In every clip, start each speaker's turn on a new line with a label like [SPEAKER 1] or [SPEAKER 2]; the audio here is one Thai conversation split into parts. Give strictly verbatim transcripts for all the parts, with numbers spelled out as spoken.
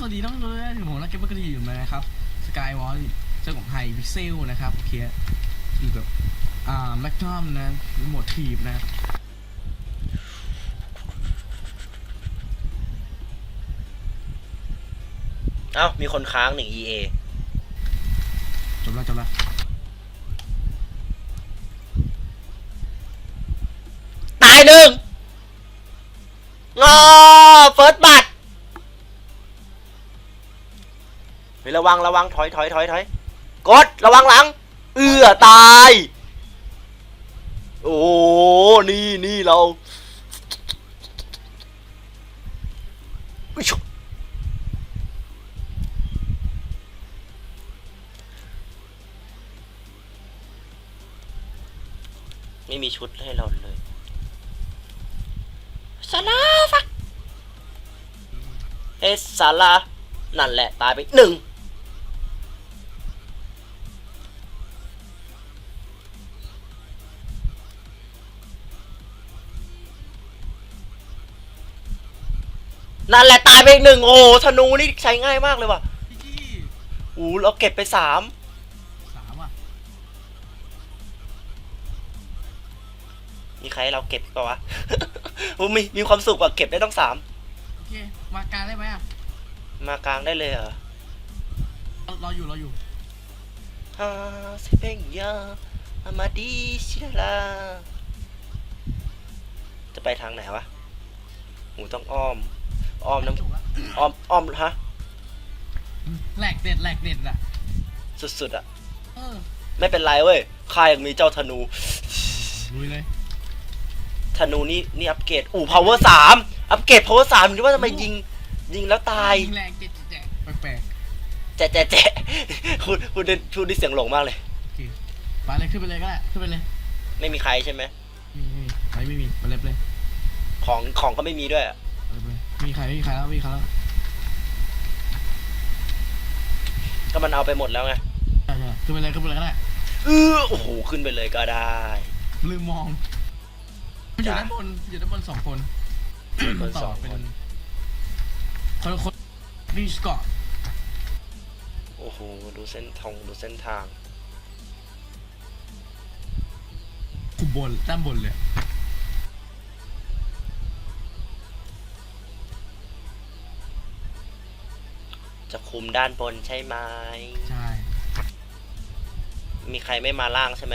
[SPEAKER 1] สวัสดีน้องเลยถึงผมนักเก็ตเบอร์กระดิ่งนะครับสกายวอลเจ้าของไฮพิกเซลนะครับโอเคคือแบบอ่าแม็กนัมนะโหมดทีบนะ
[SPEAKER 2] เอ้ามีคนค้างหนึ่ง อี เอ
[SPEAKER 1] จบแล้วจบแล้ว
[SPEAKER 2] ตายหนึ่งงอเฟิร์สบัตเฮ้ยระวังระวังถอยถอยถอยถอยกดระวังหลังเอื้อตายโอ้นี่นี่เราไม่มีชุดให้เราเลยซาลาฟักเอสซาลานั่นแหละตายไปหนึ่งนั่นแหละตายไปหนึ่งโอ้ธนูนี่ใช้ง่ายมากเลยว่ะโอ้เราเก็บไปสาม
[SPEAKER 1] สามอ่ะ
[SPEAKER 2] มีใครให้เราเก็บเปล่าวะ มีมีความสุขกว่าเก็บได้ต้องสาม
[SPEAKER 1] โอเคมากลางได้ไหมอ่ะ
[SPEAKER 2] มากลางได้เลยเหรอ
[SPEAKER 1] รออยู่รออยู่
[SPEAKER 2] ฮาเซเปงยาอามาดิชิลาจะไปทางไหนวะหูต้องอ้อมอ้อมน้ำอ้อมอ้อมฮะ
[SPEAKER 1] แหลกเด็ดแหลกเด็ดอ่ะ
[SPEAKER 2] สุดๆอ่ะ
[SPEAKER 1] เออ
[SPEAKER 2] ไม่เป็นไรเว้ยข้ายังมีเจ้าธนู
[SPEAKER 1] ลุยเลย
[SPEAKER 2] ธนูนี่นี่อัปเกรดอู่ power สามอัปเกรด power สามคิดว่าทำไมยิงยิงแล้วตาย
[SPEAKER 1] ยิงแรงเจ๊ะแจ๊ะแปลก
[SPEAKER 2] แจ๊ะแจ๊ะแจ๊ะคุณคุณพูดด้วยเสียงหลงมากเลย
[SPEAKER 1] ไปเลยขึ้นไปเลยก็ได้ขึ้นไปเลย
[SPEAKER 2] ไม่มีใครใช่ไหม
[SPEAKER 1] ไม่ไม่มีไม่มีไปเลยไปเลย
[SPEAKER 2] ของของก็ไม่มีด้วย
[SPEAKER 1] มีใครไม่มีใครแล้วมีใครแล้ว
[SPEAKER 2] ก็มันเอาไปหมดแล้วไง
[SPEAKER 1] ใช่ใช่ขึ้นไปเลยขึ้นไปเลยก็ได้
[SPEAKER 2] เออโอ้โหขึ้นไปเลยก็ได้
[SPEAKER 1] ลืมมองอยู่ด้านบนอยู่ด้านบนสองคนต่อเป็นคนคนรีสกอร์
[SPEAKER 2] โอ้โหดูเส้นทางดูเส้นทาง
[SPEAKER 1] คุบบนด้านบนเลย
[SPEAKER 2] จะคุมด้านบนใช่ไหม
[SPEAKER 1] ใช่
[SPEAKER 2] มีใครไม่มาล่างใช่ไหม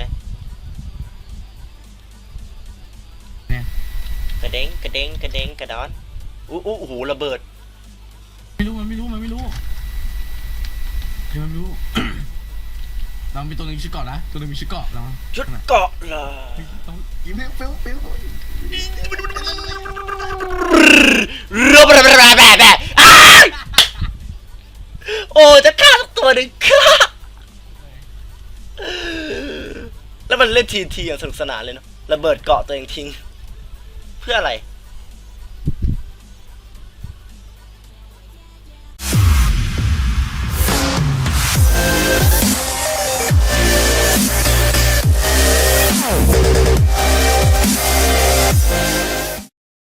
[SPEAKER 1] เนี่ย
[SPEAKER 2] กระเด้งกระเด้งกระเด้งกระดอนอู้อู้หูระเบิด
[SPEAKER 1] ไม่รู้มันไม่รู้มันไม่รู้เดี๋ยวมันไม่รู้เรามีตัวนึงชื่อเกาะนะตัวนึงมีชื่อเกาะเรา
[SPEAKER 2] ชุดเกาะเหรอ
[SPEAKER 1] ต้องยิ้มเฟ้วเฟ้ว
[SPEAKER 2] รัวแบบแบบแบบแบบโอ้จะฆ่าตัวหนึ่งฆ่าแล้วมันเล่นทีทีอย่างสนุกสนานเลยเนาะระเบิดเกาะตัวเองทิ้งเพื่ออะไร